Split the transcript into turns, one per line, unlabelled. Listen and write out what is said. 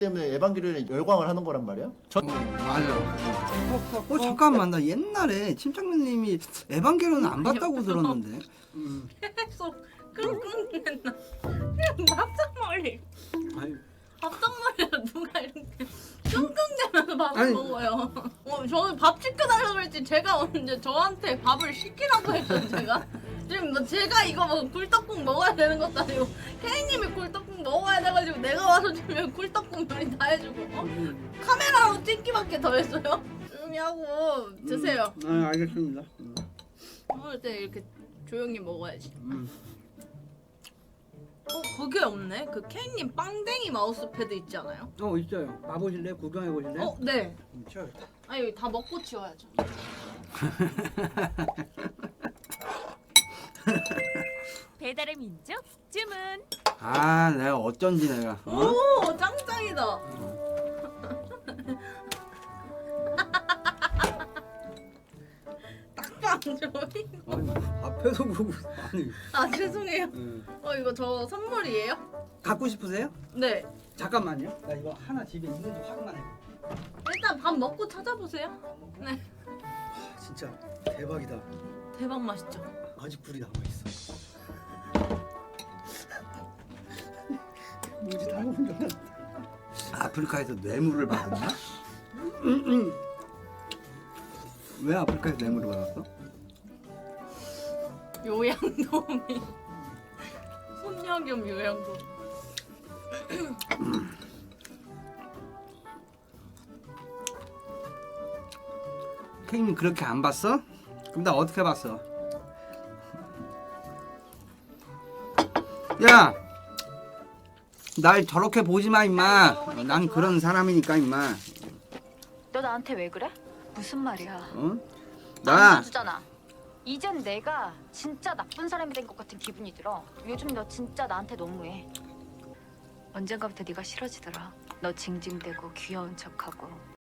때문에 에반게리온에 열광을 하는 거란 말이야?
맞아. 잠깐만 나 옛날에 침착맨님이 에반게리온 안 봤다고 들었는데.
계속 끙끙댔나. 그냥 밥상머리.
아니,
밥상머리를 누가 이렇게 끙끙대면서 밥을
아니.
먹어요. 저는 밥 시켜달라고 그랬지 제가 언제 저한테 밥을 시키라고 했어요 제가. 지금 뭐 제가 이거 뭐 굴떡국 먹어야 되는 것도 아니고 케이님이 굴떡국 먹어야 돼가지고 내가 와서 주면 굴떡국 요리 다 해주고 카메라로 찍기밖에 더 했어요. 조용히 하고 드세요.
알겠습니다.
먹을 때 이렇게 조용히 먹어야지. 그게 없네. 그 케이님 빵댕이 마우스패드 있지 않아요?
있어요. 봐보실래요? 구경해보실래요?
네.
치워야겠다.
아니 다 먹고 치워야죠.
배달의 민족 주문.
내가 어쩐지 내가.
오 짱짱이다. 딱방 조이.
앞에서 보고 아니.
아 죄송해요. 이거 저 선물이에요?
갖고 싶으세요?
네.
잠깐만요. 나 이거 하나 집에 있는지 확인만 해.
일단 밥 먹고 찾아보세요. 네.
진짜 대박이다.
대박 맛있죠.
아직 불이 남아 있어. 뭐지 다 먹은 줄 알았어. 아프리카에서 뇌물을 받았나? 왜 아프리카에서 뇌물을 받았어?
요양도우미. 손녀 겸 요양도.
케이님 그렇게 안 봤어? 그럼 나 어떻게 봤어? 야! 날 저렇게 보지 마 임마. 난 그런 사람이니까 임마.
너 나한테 왜 그래? 무슨 말이야?
어?
안
나
주잖아. 이젠 내가 진짜 나쁜 사람이 된 것 같은 기분이 들어. 요즘 너 진짜 나한테 너무해. 언젠가부터 네가 싫어지더라. 너 징징대고 귀여운 척하고